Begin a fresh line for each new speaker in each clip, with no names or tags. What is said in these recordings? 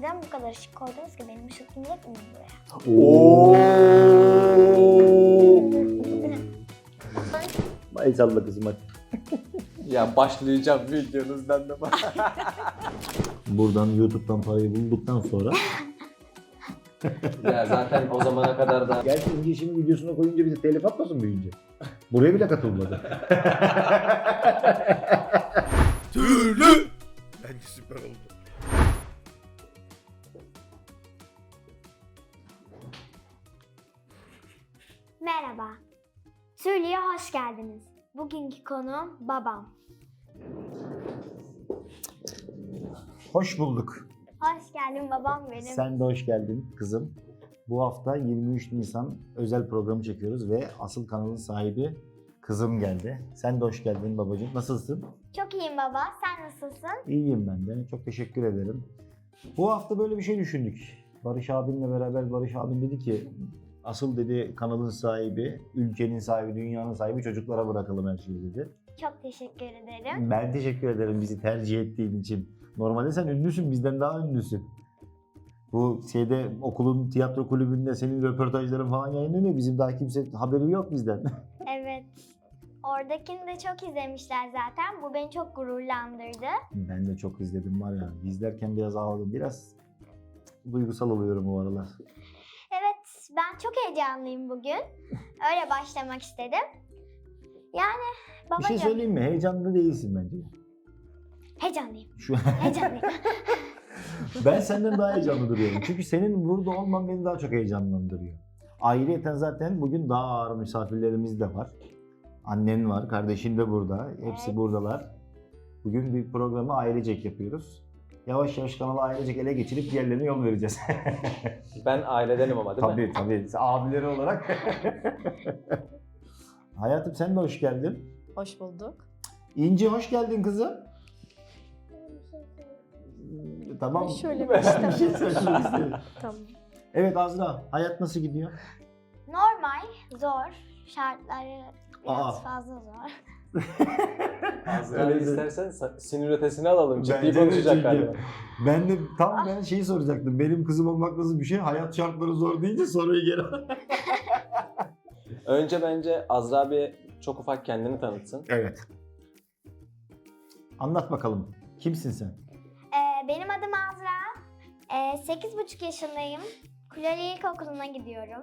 neden bu kadar ışık koydunuz ki? Benim ışık inecek mi buraya?
Ay salla kızım hadi.
Ya başlayacağım videonuzdan da bak.
Buradan YouTube'dan parayı bulduktan sonra.
Ya zaten o zamana kadar da
Gerçi İnce şimdi videosuna koyunca bize telif atmasın büyüyünce. Buraya bile katılmadı.
Tüylü. Bence süper oldu.
Merhaba. Tüylü'ye hoş geldiniz. Bugünkü konuğum babam.
Hoş bulduk.
Hoş geldin babam benim.
Sen de hoş geldin kızım. Bu hafta 23 Nisan özel programı çekiyoruz ve asıl kanalın sahibi kızım geldi. Sen de hoş geldin babacığım. Nasılsın?
Çok iyiyim baba. Sen nasılsın?
İyiyim ben de. Çok teşekkür ederim. Bu hafta böyle bir şey düşündük. Barış abimle beraber Barış abim dedi ki asıl dedi kanalın sahibi, ülkenin sahibi, dünyanın sahibi çocuklara bırakalım her şeyi dedi.
Çok teşekkür ederim.
Ben teşekkür ederim bizi tercih ettiğin için. Normalde sen ünlüsün, bizden daha ünlüsün. Bu okulun tiyatro kulübünde senin röportajların falan yayınlanıyor. Bizim daha kimse haberi yok bizden.
Evet. Oradakini de çok izlemişler zaten. Bu beni çok gururlandırdı.
Ben de çok izledim var ya. İzlerken biraz ağladım. Biraz duygusal oluyorum bu aralar.
Evet, ben çok heyecanlıyım bugün. Öyle başlamak istedim. Yani
Bir
babacığım,
şey söyleyeyim mi? Heyecanlı değilsin bence.
heyecanlıyım.
Şu
Heyecanlıyım.
Ben senden daha heyecanlı duruyorum. Çünkü senin burada olman beni daha çok heyecanlandırıyor. Ayrıyeten zaten bugün daha ağır misafirlerimiz de var. Annen var, kardeşin de burada. Hepsi
Evet.
buradalar. Bugün bir programı ailecek yapıyoruz. Yavaş yavaş kanalı ailecek ele geçirip diğerlerine yol vereceğiz.
ben ailedenim ama değil mi?
Tabii. Abileri olarak. Hayatım sen de hoş geldin.
Hoş bulduk.
İnci hoş geldin kızım. Tamam.
Şöyle
Ben
bir
bir şey söylemek istedim.
Tamam.
Evet Azra, hayat nasıl gidiyor?
Normal, zor. Şartları biraz
Aa.
fazla zor.
Azra'yı
Evet.
istersen sinir ötesini alalım. Ciddi
Bence de
konuşacak
çünkü.
galiba.
Ben de ben şeyi soracaktım. Benim kızım olmak nasıl bir şey? Hayat şartları zor deyince soruyu geri al.
Önce bence Azra bir çok ufak kendini tanıtsın.
Evet. Anlat bakalım. Kimsin sen?
Benim adım Azra. 8,5 yaşındayım. Kuleli İlkokulu'na gidiyorum.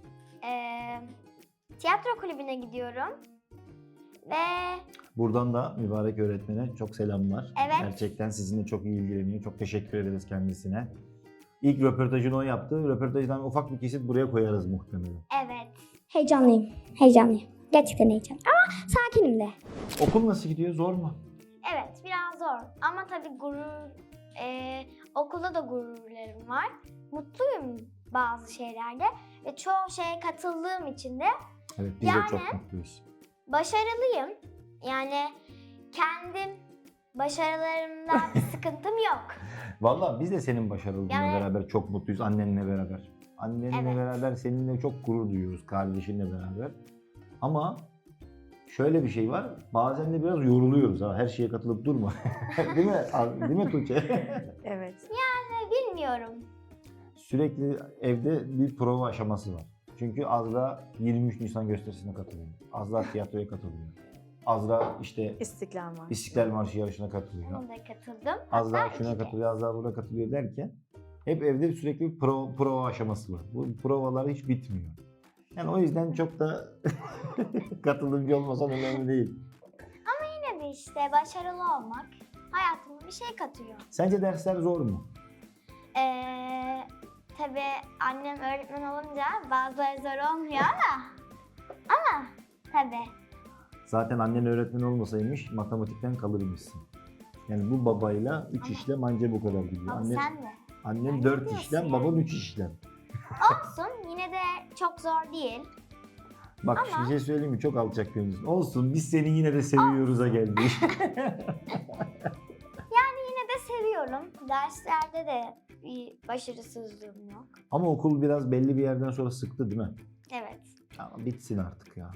Tiyatro kulübüne gidiyorum. Ve
Buradan da mübarek öğretmene çok selamlar.
Evet.
Gerçekten sizinle çok iyi ilgileniyor. Çok teşekkür ederiz kendisine. İlk röportajını o yaptı. Röportajdan ufak bir kesit buraya koyarız muhtemelen.
evet. Heyecanlıyım. Gerçekten heyecanlıyım. Ama sakinim de.
Okul nasıl gidiyor? Zor mu?
Evet, biraz zor. Ama tabii okulda da gururlarım var. Mutluyum bazı şeylerde. Ve çoğu şeye katıldığım için de
Evet biz
Yani-
de çok mutluyuz.
başarılıyım. Yani kendim başarılarımda bir sıkıntım yok.
Vallahi biz de senin başarılarınla
Yani-
beraber çok mutluyuz. Annenle beraber. Annenle
Evet.
beraber seninle çok gurur duyuyoruz. Kardeşinle beraber. Ama şöyle bir şey var. Bazen de biraz yoruluyoruz. Ha. Her şeye katılıp durma. Değil mi? Değil mi Tuğçe?
Evet.
Bilmiyorum.
Sürekli evde bir prova aşaması var. Çünkü Azra 23 Nisan gösterisine katılıyor. Azra tiyatroya katılıyor. Azra işte
İstiklal var.
İstiklal Marşı yarışına katılıyor.
Ona da katıldım.
Azra
Hatta
şuna
iki de.
katılıyor, Azra buna katılıyor derken hep evde sürekli bir prova aşaması var. Bu provalar hiç bitmiyor. Yani o yüzden çok da katılımcı olmasan önemli değil.
Yine de işte başarılı olmak hayatıma bir şey katıyor.
Sence dersler zor mu?
Tabii annem öğretmen olunca bazıları zor olmuyor ama tabii.
Zaten annen öğretmen olmasaymış matematikten kalırmışsın. Yani bu babayla 3
Ama-
işlem anca bu kadar gidiyor.
Ama sen de.
Annen
ne
4
diyorsun
işlem,
yani?
baban 3 işlem.
Olsun yine de çok zor değil.
Bak
Ama-
bir şey söyleyeyim mi? Çok alçak gönüllüsün. Olsun biz seni yine de seviyoruz'a geldik.
Yine de seviyorum. Derslerde de bir başarısızlığım yok.
Ama okul biraz belli bir yerden sonra sıktı değil mi?
Evet.
Ama bitsin artık ya.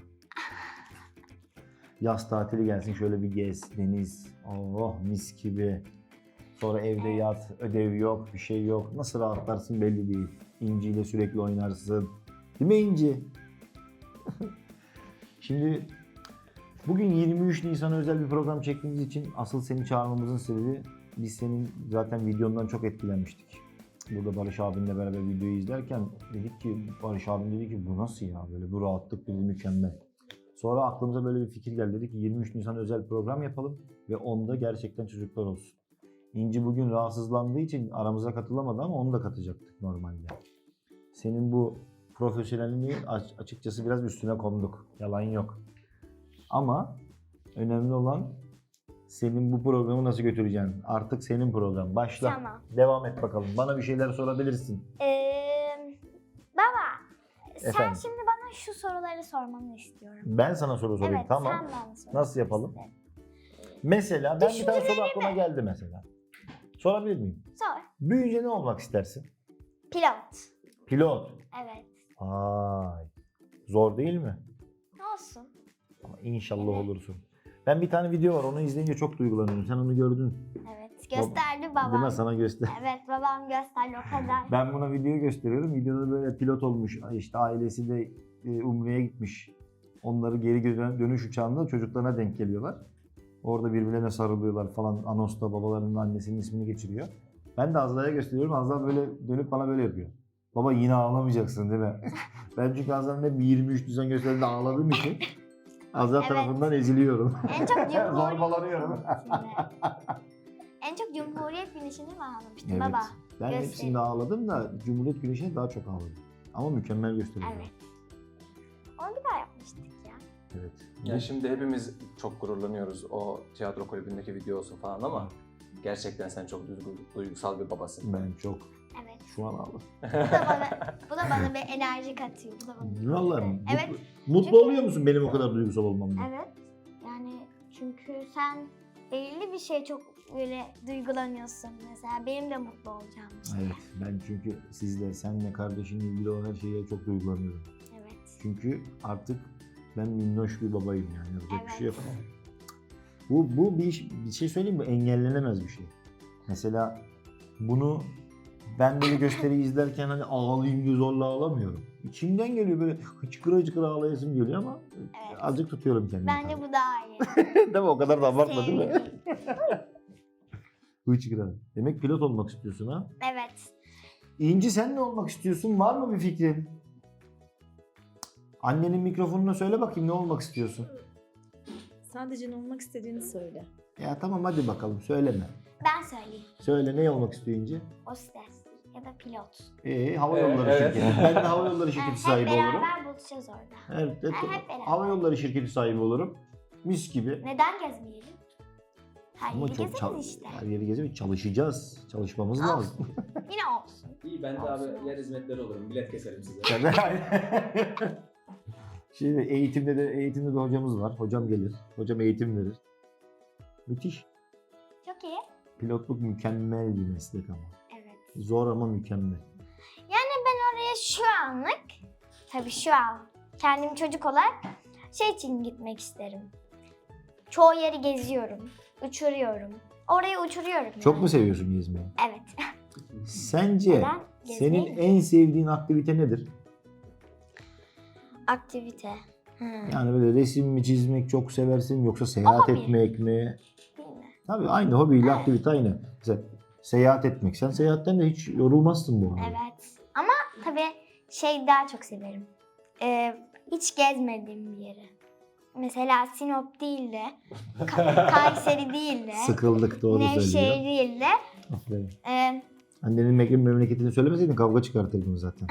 Yaz tatili gelsin şöyle bir gez, deniz, oh mis gibi. Sonra evde yat, ödev yok, bir şey yok. Nasıl rahatlarsın belli değil. İnci ile sürekli oynarsın. Değil mi İnci? Şimdi bugün 23 Nisan'a özel bir program çektiğimiz için asıl seni çağırmamızın sebebi biz senin zaten videondan çok etkilenmiştik. Burada Barış abinle beraber videoyu izlerken dedik ki Barış abim dedi ki bu nasıl ya böyle bu rahatlık dedi mükemmel. Sonra aklımıza böyle bir fikir geldi dedik ki 23 Nisan özel program yapalım ve onda gerçekten çocuklar olsun. İnci bugün rahatsızlandığı için aramıza katılamadı ama onu da katacaktık normalde. Senin bu profesyonelliği açıkçası biraz üstüne konduk. Yalan yok. Ama önemli olan senin bu programı nasıl götüreceksin. Artık senin program. Başla.
Tamam.
Devam et bakalım. Bana bir şeyler sorabilirsin.
Baba,
Efendim?
sen şimdi bana şu soruları sormanı istiyorum.
Ben sana soru sorayım.
Evet,
Tamam.
sen bana sor.
Nasıl yapalım? Mesela ben bir tane soru aklıma geldi mesela. Sorabilir miyim?
Sor.
Büyüyünce ne olmak istersin?
Pilot.
Pilot.
Evet.
Ay. Zor değil mi?
Olsun.
Ama İnşallah
Evet.
olursun. Ben bir tane video var onu izleyince çok duygulanıyorum. Sen onu gördün.
Evet. Gösterdi babam.
Değil mi? Sana göster.
Evet, babam gösterdi o kadar.
Ben buna video gösteriyorum. Videoda böyle pilot olmuş. İşte ailesi de Umre'ye gitmiş. Onları geri dönüş uçağında çocuklarına denk geliyorlar. Orada birbirlerine sarılıyorlar falan. Anonsta babalarının annesinin ismini geçiriyor. Ben de Azra'ya gösteriyorum. Azra böyle dönüp bana böyle yapıyor. Baba yine ağlamayacaksın değil mi? Ben çünkü Azra'nın hep 23 Nisan gösteriminde ağladığım için Azra
Evet.
tarafından eziliyorum.
En çok Cumhuriyet
Zorbalanıyorum.
En çok Cumhuriyet Güneşi'ni mi ağlamıştın
Evet.
baba?
Ben
Gösterim.
hepsinde ağladım da Cumhuriyet Güneşi'ne daha çok ağladım. Ama mükemmel gösteriyor.
Evet. Onu bir daha yapmıştık ya.
Evet.
Ya şimdi hepimiz çok gururlanıyoruz o tiyatro kulübündeki video olsun falan ama gerçekten sen çok duygusal bir babasın.
Ben çok
Evet.
şu an ağladım.
Bu da bana bir enerji katıyor. Bu da bana.
Vallahi
Evet.
mutlu
Çünkü-
oluyor musun benim o kadar duygusal olmamdan?
Evet. Yani çünkü sen belirli bir şey çok böyle duygulanıyorsun. Mesela benim de mutlu olacağım bir şey.
Evet. Ben çünkü sizle, senle, kardeşinle ilgili olan her şeye çok duygulanıyorum.
Evet.
Çünkü artık ben minnoş bir babayım yani. Yapacak bir şey yok.
Evet.
Bu bir şey söyleyeyim mi? Engellenemez bir şey. Mesela bunu ben böyle gösteriyi izlerken hani ağlayayım diye zorla ağlamıyorum. İçimden geliyor böyle hıçkıra hıçkıra ağlayasım geliyor ama
Evet.
azıcık tutuyorum kendimi.
Bence bu daha iyi.
Değil mi? O kadar da abartma değil mi?
Sevdim.
Hıçkıra. Demek pilot olmak istiyorsun ha?
Evet.
İnci sen ne olmak istiyorsun? Var mı bir fikrin? Annenin mikrofonuna söyle bakayım ne olmak istiyorsun?
Sadece ne olmak istediğini söyle.
Ya tamam hadi bakalım söyleme.
Ben söyleyeyim.
Söyle ne olmak istiyor İnci?
Hostes ya da pilot.
Hava yolları
Evet.
şirketi. Ben de hava yolları şirketi
Hep
sahibi olurum.
beraber buluşacağız orada.
Evet,
hep beraber.
hava yolları şirketi sahibi olurum. Mis gibi.
Neden gezmeyelim? Her
Ama
yeri
çok
gezeriz işte.
her yeri gezemeyiz. Çalışacağız. Çalışmamız
Olsun.
lazım.
Yine olsun.
İyi ben de
Olsun.
abi yer hizmetleri olurum. Bilet keserim size.
Şimdi eğitimde de hocamız var. Hocam gelir. Hocam eğitim verir. Müthiş.
Çok iyi.
Pilotluk mükemmel bir meslek ama.
Evet.
Zor ama mükemmel.
Oraya şu anlık, tabii şu an kendim çocuk olarak şey için gitmek isterim. Çoğu yeri geziyorum, uçuruyorum. Orayı uçuruyorum.
Çok
yani.
mu seviyorsun gezmeyi?
Evet.
Sence
Neden? Gezmeyi
senin en sevdiğin aktivite nedir?
Aktivite.
Yani böyle resim mi çizmek çok seversin yoksa seyahat
Hobi.
etmek mi?
Değil mi?
Tabii aynı hobiyle
Evet.
aktivite aynı. Mesela seyahat etmek. Sen seyahatten de hiç yorulmazsın bu arada.
Evet. Ama tabii şey daha çok severim. Hiç gezmediğim bir yeri. Mesela Sinop değil de, Kayseri değil de,
Sıkıldık doğru
Nevşehir
söylüyor.
değil de,
Aferin.
e,
Annenin memleketini söylemeseydin kavga çıkartırdım zaten.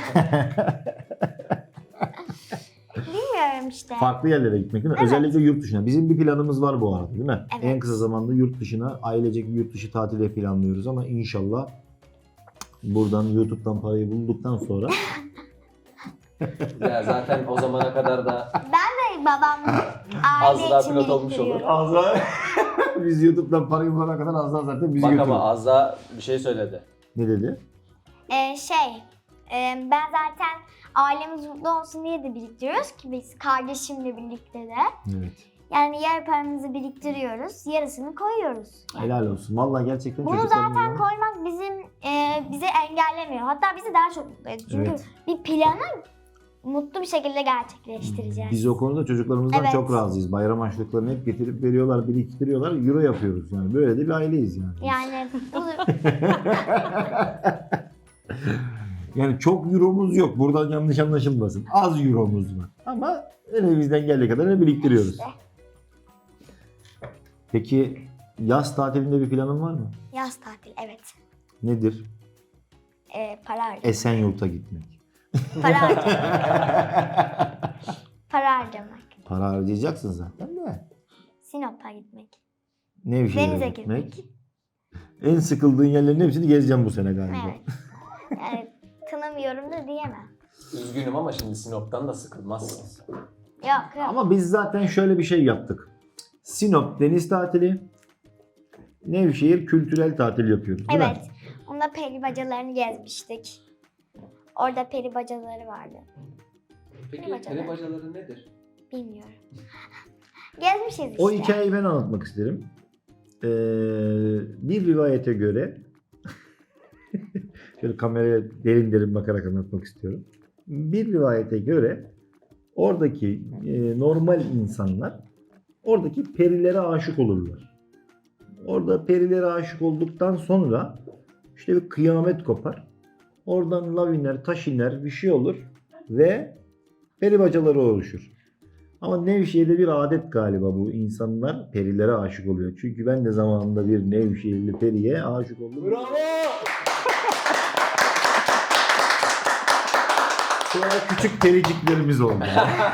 bilmiyorum işte.
Farklı yerlere gitmek değil mi?
Evet.
Özellikle yurt dışına. Bizim bir planımız var bu arada değil mi?
Evet.
En kısa zamanda yurt dışına ailecek bir yurt dışı tatili planlıyoruz ama inşallah buradan YouTube'dan parayı bulduktan sonra
Ya zaten o zamana kadar da
Babam aile
Azra
için
pilot olmuş olur.
biriktiriyorum.
Azra biz YouTube'dan parayı bulana kadar Azra zaten bizi
bak
götürür.
ama Azza bir şey söyledi.
Ne dedi?
Ben zaten ailemiz mutlu olsun diye de biriktiriyoruz ki biz kardeşimle birlikte de.
Evet.
Yani yer paramızı biriktiriyoruz, yarısını koyuyoruz.
Helal olsun. Vallahi gerçekten
Bunu
çocuklarımızla-
zaten koymak bize engellemiyor. Hatta bizi daha çok mutlu ediyor. Çünkü
Evet.
bir planı mutlu bir şekilde gerçekleştireceğiz.
Biz o konuda çocuklarımızdan
Evet.
çok razıyız. Bayram harçlıklarını hep getirip veriyorlar, biriktiriyorlar. Euro yapıyoruz yani. Böyle de bir aileyiz yani.
Yani bu
Yani çok euromuz yok. Buradan yanlış anlaşılmasın. Az euromuz var. Ama elimizden geldiği kadarını biriktiriyoruz.
işte
Peki yaz tatilinde bir planın var mı?
yaz tatili, evet.
Nedir?
Para harcamak.
Esenyurt'a gitmek.
Para harcamak. Para harcamak.
Para harcayacaksın zaten de.
Sinop'a gitmek.
Nevşehir'e
Denize
gitmek.
girmek.
En sıkıldığın yerlerin hepsini gezeceğim bu sene galiba.
Evet. Yani kınamıyorum da diyemem.
Üzgünüm ama şimdi Sinop'tan da sıkılmazsın.
Yok yok.
Ama biz zaten şöyle bir şey yaptık. Sinop deniz tatili, Nevşehir kültürel tatil yapıyoruz değil mi?
Evet. Onda peri bacalarını gezmiştik. Orada peri bacaları vardı.
Peki
Peri bacaları.
peri bacaları nedir?
Bilmiyorum. Gezmişiz işte.
O hikayeyi ben anlatmak isterim. Bir rivayete göre şöyle kameraya derin derin bakarak anlatmak istiyorum. Bir rivayete göre oradaki normal insanlar oradaki perilere aşık olurlar. Orada perilere aşık olduktan sonra işte bir kıyamet kopar. Oradan lav iner, taş iner, bir şey olur ve peri bacaları oluşur. Ama Nevşehir'de bir adet galiba bu. İnsanlar perilere aşık oluyor. Çünkü ben de zamanında bir Nevşehirli periye aşık oldum.
Bravo!
Sonra küçük periciklerimiz oldu.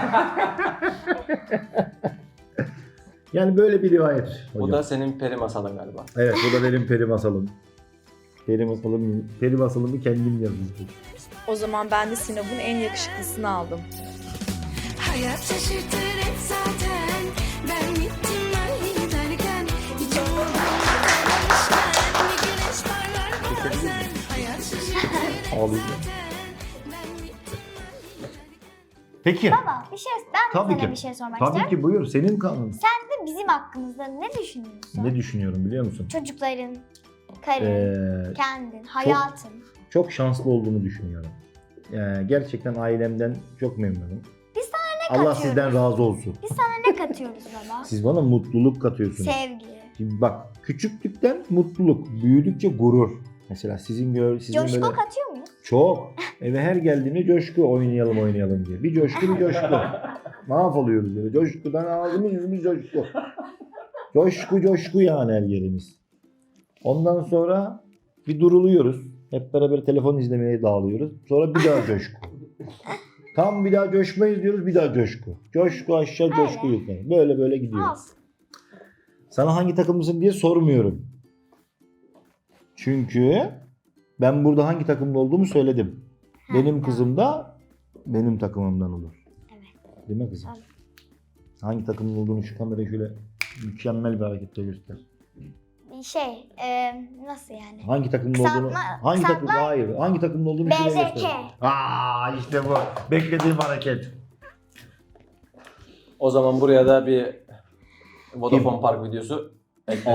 Yani böyle bir rivayet hocam.
Bu da senin peri masalın galiba.
Evet, bu da benim peri masalım. Peri masalımı kendim yazmıştım.
O zaman ben de Sinop'un en yakışıklısını aldım.
Hayat şaşırtır hep zaten. Ben gittim ben giderken hiç olmamışken bir güneş parlar bazen. Hayat şaşırtır hep
Ağlayacağım.
zaten. Ben gittim
Peki.
Baba ben
Tabii
sana
ki.
bir şey sormak
Tabii
istiyorum.
ki buyur. Senin kanun.
Sen de bizim hakkımızda ne düşünüyorsun?
Ne düşünüyorum biliyor musun?
Çocukların, karın, kendin, hayatın.
Çok şanslı olduğumu düşünüyorum. Gerçekten ailemden çok memnunum.
Biz sana ne
Allah
katıyoruz?
sizden razı olsun.
Biz sana ne katıyoruz baba?
Siz bana mutluluk katıyorsunuz.
Sevgi.
Şimdi bak, küçüklükten mutluluk, büyüdükçe gurur. Mesela sizin
Coşku
böyle
katıyor muyuz?
çok eve her geldiğinde coşku oynayalım diye. Bir coşku bir coşku. Mahvoluyoruz böyle. Coşkudan ağzımız yüzümüz coşku. Coşku yani her yerimiz. Ondan sonra bir duruluyoruz. Hep beraber telefon izlemeye dağılıyoruz. Sonra bir daha coşku. Tam bir daha coşmayız diyoruz, bir daha coşku. Coşku aşağı, coşku yukarı. Böyle gidiyor.
Olsun.
Sana hangi takımlısın diye sormuyorum. Çünkü ben burada hangi takımlı olduğumu söyledim. Benim kızım da benim takımımdan olur.
Evet.
Değil mi kızım?
Tabii.
Hangi takımlı olduğunu şu kameraya şöyle mükemmel bir hareketle göster.
Nasıl yani?
Hangi takımlı
Kısaltma-
olduğunu... Hangi takım?
kısaltma-
Hayır. Hangi takımlı olduğunu şuraya
BZK.
göster. İşte bu. Beklediğim hareket.
O zaman buraya da bir Vodafone Park videosu eklenir.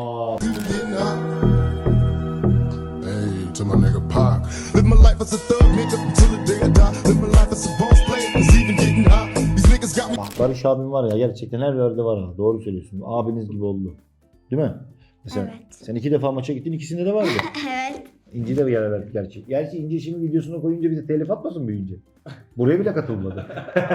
Hey, to my nigga Pac. Live my life as a thug nigga until the day I die. Live my life as a boss player, cause even getting high. These niggas got me.
Bak Barış abim var ya, gerçekten her yerde var ha. Doğru söylüyorsun. Abiniz gibi oldu. Değil mi? Mesela
Evet.
sen 2 defa maça gittin, ikisinde de vardı.
Evet.
İnci de bir yer verdik gerçi. Gerçi İnci şimdi videosunu koyunca bize telif atmasın büyüyünce. Buraya bile katılmadı.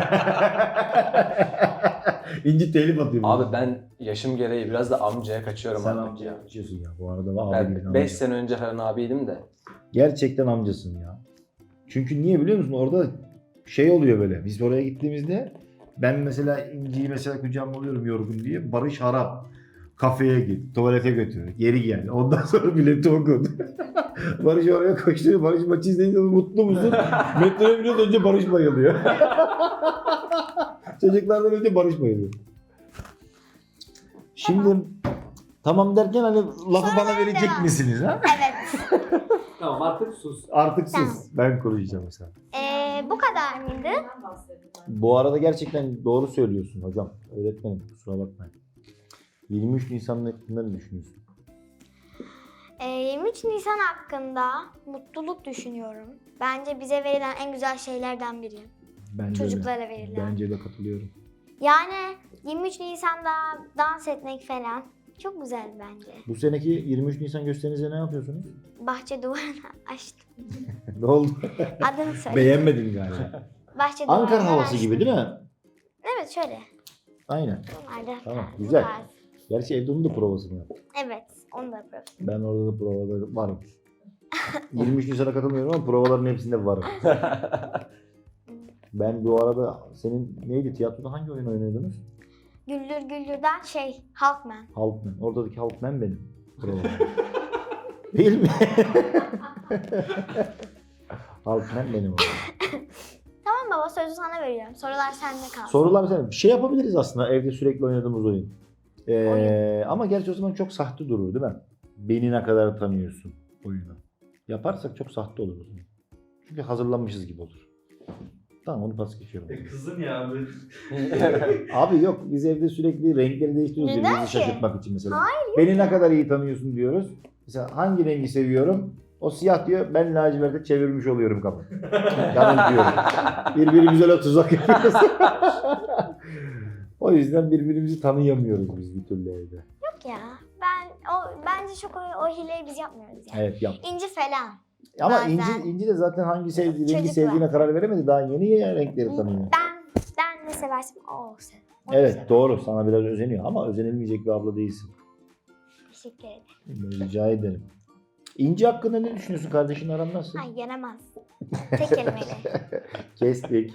İnci telif atıyor.
Abi ben yaşım gereği biraz da amcaya kaçıyorum
sen
artık
amcaya
ya.
kaçıyorsun ya. Bu arada abi
Ben 5 sene önce falan abiydim de.
Gerçekten amcasın ya. Çünkü niye biliyor musun? Orada şey oluyor böyle. Biz oraya gittiğimizde ben mesela İnci'yi mesela kucağıma alıyorum yorgun diye. Barış harap. Kafeye git, tuvalete götür, geri gel. Ondan sonra bileti okut. Barış oraya koşturuyor. Barış maçı izleyince mutlu musun? Metroya biniyoruz, önce Barış bayılıyor. Çocuklardan önce Barış bayılıyor. Şimdi tamam derken hani lafı bana verecek
devam.
misiniz ha?
Evet.
Tamam artık sus.
Artık sus. Ben konuşacağım mesela.
Bu kadar mıydı?
Bu arada gerçekten doğru söylüyorsun hocam. Öğretmenim kusura bakmayın. 23 Nisan hakkında ne düşünüyorsun?
23 Nisan hakkında mutluluk düşünüyorum. Bence bize verilen en güzel şeylerden biri.
Bence
Çocuklara verilen.
Bence de katılıyorum.
Yani 23 Nisan'da dans etmek falan çok güzel bence.
Bu seneki 23 Nisan gösterinizde ne yapıyorsunuz?
Bahçe duvarını açtım.
Ne oldu?
Adını söyle.
Beğenmedin galiba.
Bahçe
Ankara
duvarını
havası
açtım.
gibi değil mi?
Evet şöyle.
Aynen.
Bunlar da
Tamam,
bu
güzel.
tarz.
Gerçi evde onun da provasını yaptım.
Evet onu da yapıyorum.
Ben orada da provada varım. 23 Nisan'a katılmıyorum ama provaların hepsinde varım. Ben bu arada senin neydi tiyatroda hangi oyun oynuyordunuz?
Güldür Güldür'den Halkman.
Halkman. Oradaki Halkman benim. Provada. Değil mi? Halkman benim orada.
Tamam baba sözü sana veriyorum. Sorular sende kalsın.
Sorular sen. Bir şey yapabiliriz aslında evde sürekli oynadığımız oyun. Ama gerçi o zaman çok sahte durur değil mi? Beni ne kadar tanıyorsun oyunu. Yaparsak çok sahte olur o zaman. Çünkü hazırlanmışız gibi olur. Tamam onu pas geçiyorum.
Kızım ya abi.
Abi yok biz evde sürekli renkleri değiştiriyoruz
Neden
birbirimizi
ki?
şaşırtmak için mesela.
Hayır,
Beni ne kadar iyi tanıyorsun diyoruz. Mesela hangi rengi seviyorum? O siyah diyor ben laciverte çevirmiş oluyorum kapı. Yanıltıyorum. Birbirimize öyle tuzak yapıyoruz. O yüzden birbirimizi tanıyamıyoruz biz bir türlü evde.
Yok ya. Bence çok o hileyi biz yapmıyoruz yani.
Evet yap.
İnci falan.
Ama
Bazen.
İnci de zaten hangi rengi
Çocuklar.
sevdiğine karar veremedi. Daha yeni renkleri tanıyor.
Ben ne seversem o sever. Onu
Evet
sever.
doğru sana biraz özeniyor ama özenilmeyecek bir abla değilsin.
Teşekkür ederim.
Rica ederim. İnci hakkında ne düşünüyorsun? Kardeşin aran nasıl?
Ay yenemez. Tek kelimeyle.
Kestik.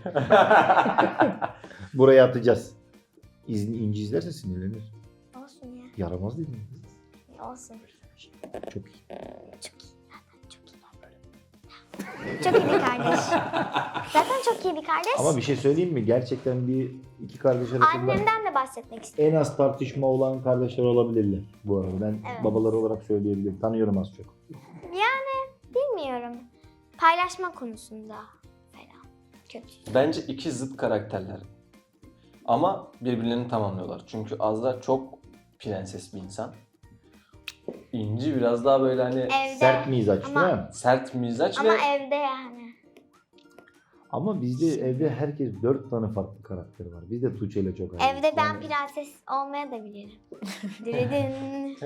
Buraya atacağız. İnci izlerse sinirlenir.
Olsun ya.
Yaramaz dedim.
Olsun.
Çok iyi.
Çok iyi. Çok iyi bir kardeş. Zaten çok iyi bir kardeş.
Ama bir şey söyleyeyim mi? Gerçekten iki kardeş arasında
Annemden de bahsetmek istiyorum.
en az tartışma olan kardeşler olabilirler bu arada. Ben
Evet.
babaları olarak söyleyebilirim. Tanıyorum az çok.
Bilmiyorum. Paylaşma konusunda falan. Kötü.
Bence iki zıt karakterler. Ama birbirlerini tamamlıyorlar. Çünkü Azra çok prenses bir insan. İnci biraz daha böyle hani
Evde.
Sert mizaç
Ama-
değil mi?
sert mizaç
Ama
ve
evde yani.
Ama bizde evde herkes 4 tane farklı karakteri var. Biz de Tuğçe ile çok ayrıyız.
Evde ben
Yani-
prenses olmaya da bilirim. Diridin.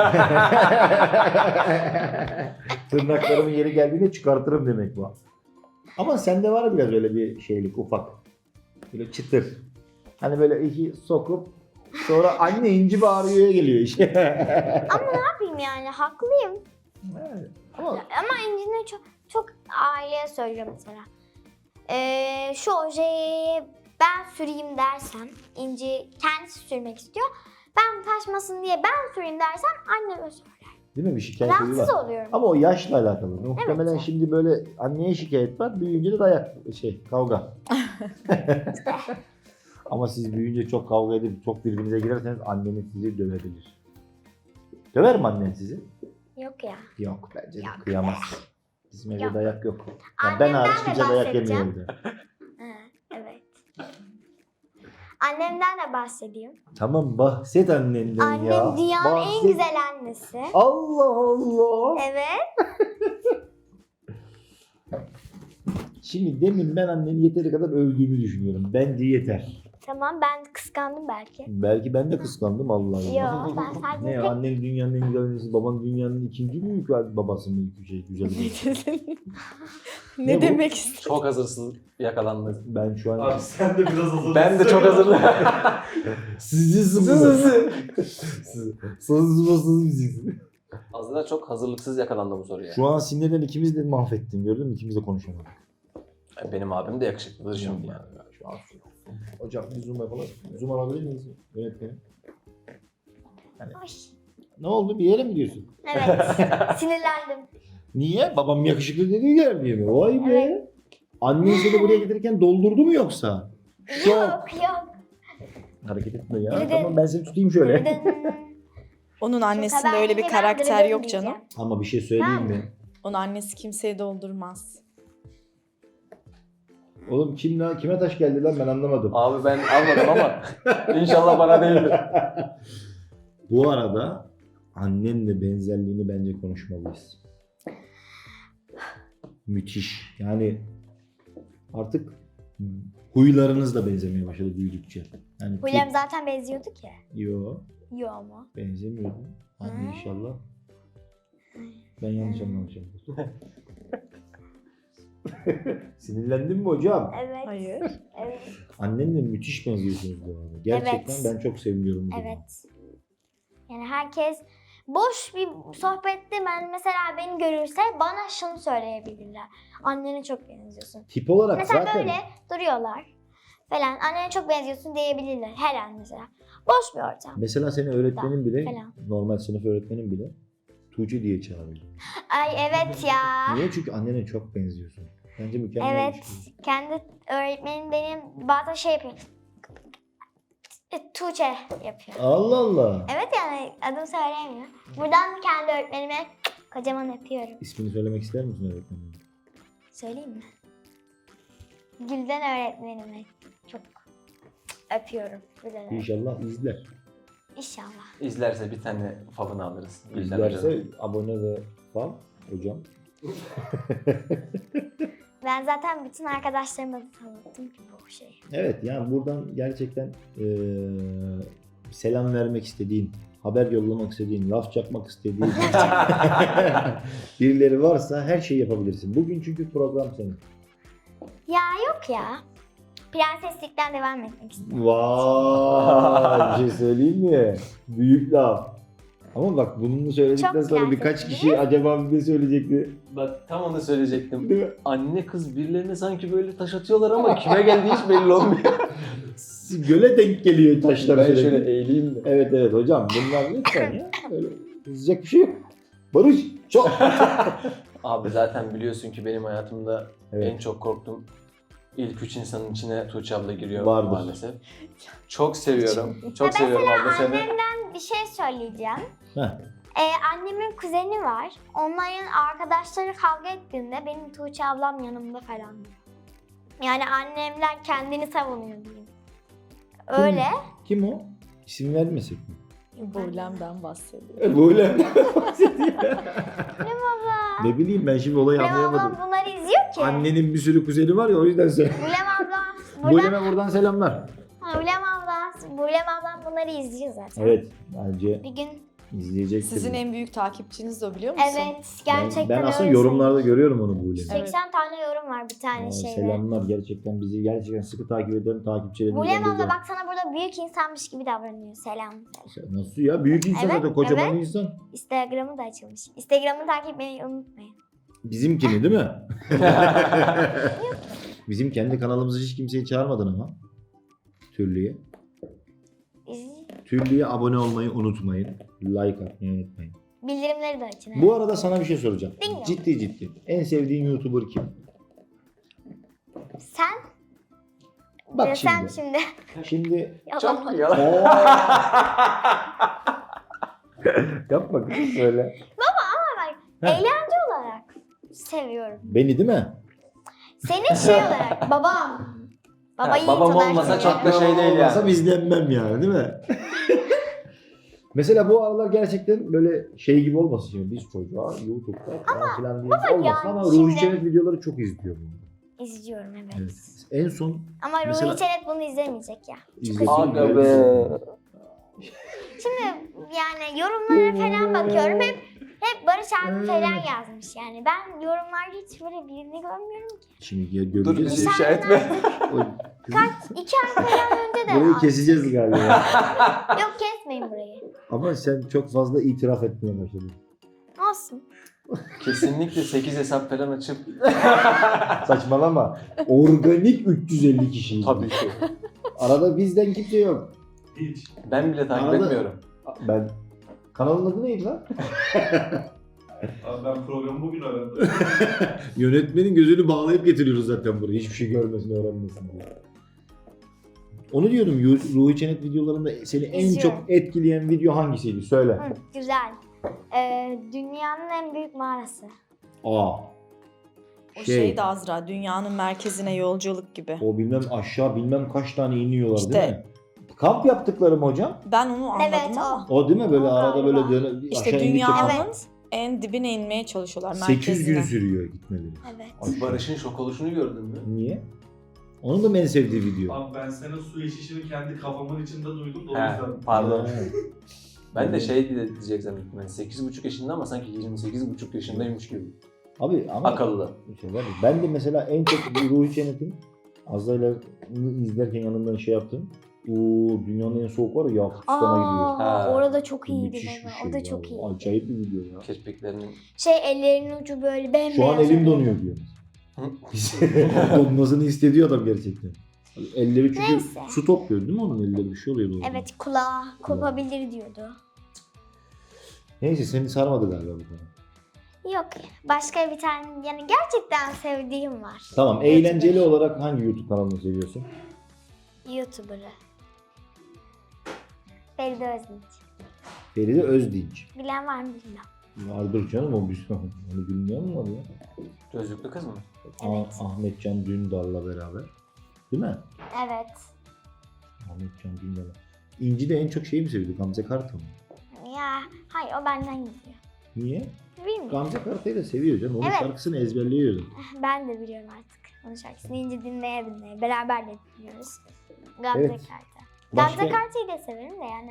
Tırnaklarımın yeri geldiğinde çıkartırım demek bu. Ama sende var biraz öyle bir şeylik ufak. Böyle çıtır. Hani böyle iki sokup sonra anne inci bağırıyor'ya geliyor işte.
Ne yapayım yani haklıyım.
Evet. Ama
Ama İnci'ne çok aileye söylüyor mesela. Şu ojeyi ben süreyim dersem, İnci kendisi sürmek istiyor. Ben taşmasın diye ben süreyim dersem anneme söyler.
değil mi bir şikayet var.
Rahatsız oluyorum.
Ama o yaşla alakalı. Muhtemelen
Evet.
şimdi böyle anneye şikayet var, büyüyünce de kavga. Ama siz büyüyünce çok kavga edip çok birbirinize girerseniz anneniz sizi dövebilir. Döver mi annen sizi?
Yok ya.
Yok bence de
Yok
kıyamaz. Bizim evde
Yok.
dayak yok. Yani ben
Annemden
hariç
de
kimse dayak yemiyor
bahsedeceğim.
evde.
Evet. Annemden de bahsedeyim.
Tamam bahset annenden
Annem
ya.
dünyanın en
Bahset.
güzel annesi.
Allah Allah.
Evet.
Şimdi demin ben anneni yeteri kadar övdüğümü düşünüyorum. Bence yeter.
Tamam ben kıskandım belki.
Belki ben de kıskandım Allah Allah.
Yok ben sadece
Ne ya, annen dünyanın en güzel annesi, baban dünyanın ikinci büyük babası mı güzel bir.
Ne
Ne bu?
demek istiyorsun?
çok hazırsız yakalandı.
Ben şu an
Abi sen de biraz hazırlıksın.
Ben de çok hazırlı.
sizi sıvı. Sızmasız müziksiniz.
Azra çok hazırlıksız yakalandı bu soruya.
Şu an sinirden ikimiz de mahvettin gördün mü? İkimiz de konuşamadık.
Benim abim de yakışıklıdır şimdi yani.
Şu an hocam bir zoom yapalım. Zoom alabilir miyiz? Yönetmenim.
Ay,
Ne oldu? Bir yere mi gidiyorsun?
evet sinirlendim.
Niye? Babam yakışıklı dediği yer diye mi? Vay be.
Evet.
Annen seni buraya getirirken doldurdu mu yoksa?
Yok yok.
Hareket etme ya.
Dırıdın.
Tamam ben seni tutayım şöyle.
Dırdın.
Onun annesinde
Haber
öyle bir
ben
karakter
dırdın
yok canım.
diyeceğim.
Ama bir şey söyleyeyim mi?
Onun annesi kimseyi doldurmaz.
Oğlum kime taş geldi lan ben anlamadım.
Abi ben almadım ama inşallah bana değildir.
Bu arada annenle benzerliğini bence konuşmalıyız. Müthiş. Yani artık huylarınız da benzemeye başladı büyüdükçe. Yani
Huylarım zaten benziyordu ki.
Yo,
Yo ama.
benzemiyordu. Hadi inşallah. Ben yanlış anlamışım. Sinirlendin mi hocam?
Evet.
Hayır.
Evet.
Annenle müthiş benziyorsunuz bu arada. Gerçekten
Evet.
ben çok seviniyorum. bu duruma.
Evet. Yani herkes boş bir sohbette ben mesela beni görürse bana şunu söyleyebilirler. Annene çok benziyorsun.
Tip olarak
Mesela
zaten
böyle duruyorlar falan. Annene çok benziyorsun diyebilirler her an mesela. Boş bir ortam.
mesela senin öğretmenin bile,
falan.
normal sınıf öğretmenin bile Tuğçe diye çağırıyor.
Ay evet ya.
Niye? Çünkü annene çok benziyorsun. Bence mükemmel bir
Evet.
şey.
Kendi öğretmenim benim bazen şey yapıyor. Tuğçe yapıyor.
Allah Allah.
Evet yani adını söyleyemiyor. Buradan kendi öğretmenime kocaman öpüyorum.
İsmini söylemek ister misin öğretmenin?
Söyleyeyim mi? Gülden öğretmenime çok öpüyorum. Gülden öğretmenim.
İnşallah izler.
İnşallah.
İzlerse bir tane favını alırız. Gülden
İzlerse
Hoca'nın.
abone ve fan hocam.
Ben zaten bütün arkadaşlarıma da tanıttım ki bu şeyi.
Evet yani buradan gerçekten selam vermek istediğin, haber yollamak istediğin, laf çakmak istediğin birileri varsa her şeyi yapabilirsin. Bugün çünkü program senin.
Ya yok ya. Prenseslikten devam etmek istiyorum.
Vay, bir şey söyleyeyim mi? Büyük laf. Ama bak bunu söyledikten
Çok
sonra birkaç
prensesiniz.
kişi acaba ne söyleyecekti?
Bak tam onu söyleyecektim.
Değil mi?
Anne kız birilerine sanki böyle taş atıyorlar ama kime geldiği hiç belli olmuyor.
Göle denk geliyor taşlar
Ben
sürekli.
şöyle eğileyim de.
Evet evet hocam bunlar lütfen ya. Böyle kızacak bir şey yok. Barış çok.
Abi zaten biliyorsun ki benim hayatımda
Evet.
en çok korktuğum ilk 3 insanın içine Tuğçe abla giriyor
Vardır.
maalesef. Çok seviyorum. Çok
Ya
seviyorum abla seni.
Annemden bir şey söyleyeceğim.
Heh.
Annemin kuzeni var. Onların arkadaşları kavga ettiğinde benim Tuğçe ablam yanımda falan. Yani annemler kendini savunuyor diyeyim. Öyle.
Kim o? İsim vermesek mi?
Buğlem'den bahsediyor.
Böyle.
Ne baba?
Ne bileyim ben şimdi olayı
Bulem
anlayamadım.
ablam bunları izliyor ki.
Annenin bir sürü kuzeni var ya o yüzden söyle.
Bulem ablam.
Bulem'e buradan selamlar.
Bulem ablam bunları izliyor zaten.
Evet bence
Bir gün
izleyecektir.
Sizin en büyük takipçiniz de o, biliyor musun?
evet gerçekten
ben aslında
öyle
yorumlarda görüyorum onu Bulem'i.
söyleyeyim. 80 tane yorum var bir tane şeyde.
Selamlar gerçekten bizi gerçekten sıkı takip eden takipçilerimiz.
Bulem abla bak sana burada büyük insanmış gibi davranıyor. Selam.
Nasıl ya? Büyük insan
Evet,
zaten kocaman
evet.
insan.
Instagram'ı da açılmış. Instagram'ı takip etmeyi unutmayın.
Bizimkini değil mi? Bizim kendi kanalımızı hiç kimseyi çağırmadın ama. Türlüye. Türlüye abone olmayı unutmayın. Like atmayı unutmayın.
Bildirimleri de açın.
Bu arada sana bir şey soracağım.
Dinliyorum.
Ciddi. En sevdiğin YouTuber kim?
Sen?
Bak
Sen
şimdi.
şimdi.
Şimdi
Yalan.
Çok yalan.
yapma kızım söyle. Heh.
Eğlence olarak seviyorum.
Beni değil mi?
Seni şey olarak babam. Babayı
babam
olarak
olmasa
seviyorum.
çok da şey değil
Olmasam
yani.
izlenmem yani değil mi? Mesela bu aralar gerçekten böyle şey gibi olmasın şimdi biz çocuğa YouTube'da falan filan diye olmasın
yani
ama
şimdi-
Ruhi Çenet videoları çok izliyorum.
İzliyorum evet.
Evet. En son
Ama
Mesela-
Ruhi Çenet bunu izlemeyecek ya.
izlediğim
Aga be.
Şimdi yani yorumlara falan bakıyorum. Hep Barış abi falan yazmış yani. Ben yorumlarda hiç böyle birini görmüyorum ki.
Şimdi ya
Dur
göreceğiz.
bizi ifşa etme.
O- kızım,
2 ay falan önce de
burayı
var.
keseceğiz galiba.
Yok kesmeyin burayı.
Ama sen çok fazla itiraf etmeye başladın.
Olsun.
Kesinlikle 8 hesap falan açıp
Saçmalama. Organik 350 kişiyiz.
tabii ki.
Arada bizden kimse yok.
Hiç.
Ben bile takip
Arada-
etmiyorum.
Ben kanalın adı neydi lan?
Abi ben programı bugün öğrendim.
Yönetmenin gözünü bağlayıp getiriyoruz zaten buraya. Hiçbir şey görmesin, öğrenmesin diye. Onu diyordum. Ruhi Çenet videolarında seni en
İzliyorum.
çok etkileyen video hangisiydi? Söyle.
Hı, güzel. Dünyanın en büyük mağarası.
Aa.
O Şey de Azra, dünyanın merkezine yolculuk gibi.
O bilmem aşağı bilmem kaç tane iniyorlar
İşte.
değil mi? Kamp yaptıkları mı hocam?
Ben onu anladım
Evet,
ama.
O değil mi? Böyle
O
arada
galiba.
böyle döne,
İşte
aşağı indikçe
dünyanın
Evet.
en dibine inmeye çalışıyorlar,
800 gün
merkezine.
sürüyor gitmeleri.
Evet.
Aşağı.
Barış'ın şok oluşunu gördün mü?
Niye? Onun da en sevdiği video.
Abi ben senin su içişini kendi kafamın içinde duydum da o
He,
yüzden.
pardon.
Ha.
Ben de şey diyecek zannettim. Yani 8,5 yaşında ama sanki 28,5 yaşındaymış gibi.
Abi ama
Akıllı.
şey var ya, ben de mesela en çok Ruhi Çenet'in Azra'yla izlerken yanından şey yaptım. O dünyanın en soğuk var ya Yakutsistan'a gidiyor.
Ha.
Orada çok iyiydi
Müthiş bir
baba.
şey
O da
ya.
çok iyi.
Acayip bir video ya.
Keşpeklerinin
Ellerinin ucu böyle bembeyaz.
Şu an elim
oluyor.
donuyor diyor. Donmasını hissediyor adam gerçekten. Elleri çünkü
Neyse.
su topluyor değil mi onun elleri bir şey oluyordu orada.
Evet, kulağı kopabilir diyordu.
Neyse seni sarmadı galiba bu konu.
Yok, başka bir tane yani gerçekten sevdiğim var.
Tamam eğlenceli olarak hangi YouTube kanalını seviyorsun?
YouTuber'ı. Feride Özdinç.
Feride Özdinç.
Bilen var mı bilmem.
Vardır canım o bir onu bilmeyen mi var ya?
gözlüklü kız mı?
Evet.
Ahmetcan Dündar'la beraber. Değil mi?
Evet.
Ahmetcan Dündar'la. İnci de en çok şeyi mi seviyordu? Gamze Kartal mı?
Ya hayır, o benden gidiyor.
Niye?
Bilmiyorum.
Gamze Kartal'ı da seviyor canım. Onun
Evet.
şarkısını ezberliyor.
Ben de biliyorum artık onun şarkısını. İnce dinleye dinleye. Beraber de dinliyoruz. Gamze
Evet.
Kartal.
Başka...
Gamze Kartal'ı da severim de yani.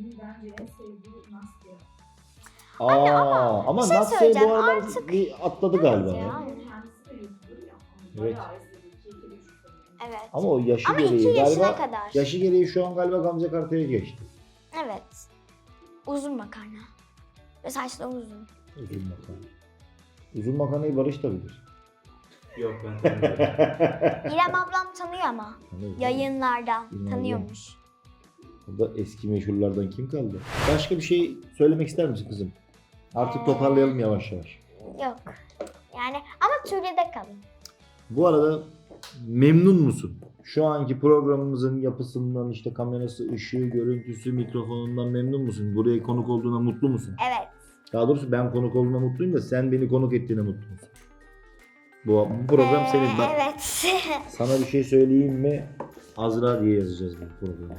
Ama
bir şey
Natsa'yı bu
söyleyeceğim,
aralar
artık-
bir atladı galiba.
Evet
ya.
ya.
Evet.
Evet.
Ama o yaşı
Ama 2
gereği
yaşına
galiba
kadar.
yaşı gereği şu an galiba Gamze Kartal'a geçti.
Evet. Uzun makarna. Ve saçları uzun.
Uzun makarna. Uzun makarnayı Barış da bilir.
Yok ben tanımıyorum.
İrem ablam tanıyor ama.
Tanıyor.
Yayınlardan
İrem
tanıyormuş.
Burada eski meşhurlardan kim kaldı? Başka bir şey söylemek ister misin kızım? Artık toparlayalım yavaş yavaş.
Yok. Yani ama Türkiye'de kalın.
Bu arada memnun musun? Şu anki programımızın yapısından, işte kamerası, ışığı, görüntüsü, mikrofonundan memnun musun? Buraya konuk olduğuna mutlu musun?
Evet.
Daha doğrusu ben konuk olduğuna mutluyum da sen beni konuk ettiğine mutlu musun? Bu program senin. Bak,
Evet.
sana bir şey söyleyeyim mi? Azra diye yazacağız bu programı.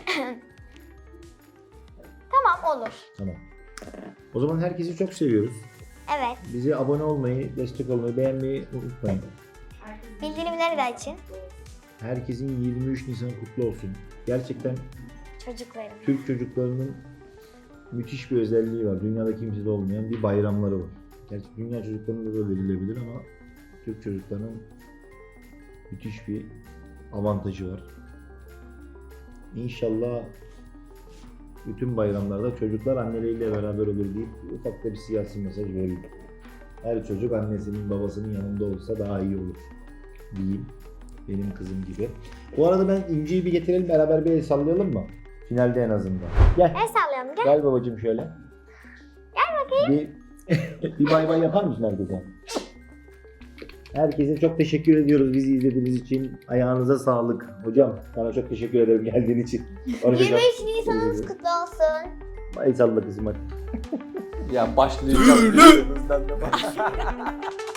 Tamam, olur.
Tamam. O zaman herkesi çok seviyoruz.
Evet.
Bize abone olmayı, destek olmayı, beğenmeyi unutmayın.
Bildirimleri de açın.
Herkesin 23 Nisan kutlu olsun. Gerçekten
Çocuklarım.
Türk çocuklarının müthiş bir özelliği var. Dünyada kimsede olmayan bir bayramları var. Gerçi dünya çocuklarında da verilebilir ama Türk çocuklarının müthiş bir avantajı var. İnşallah bütün bayramlarda çocuklar anneleriyle beraber olur deyip ufak da bir siyasi mesaj verelim. Her çocuk annesinin babasının yanında olsa daha iyi olur diyeyim. Benim kızım gibi. Bu arada ben İnci'yi bir getirelim, beraber bir el sallayalım mı? Finalde en azından. Gel.
El sallayalım, gel.
Gel babacığım şöyle.
Gel bakayım.
Bir bay bay yapar mısın herkese? Herkese çok teşekkür ediyoruz bizi izlediğiniz için. Ayağınıza sağlık. Hocam sana çok teşekkür ederim geldiğin için.
23 Nisan'ınız kutlu olsun.
El salla kızım hadi.
Ya başlayacağım.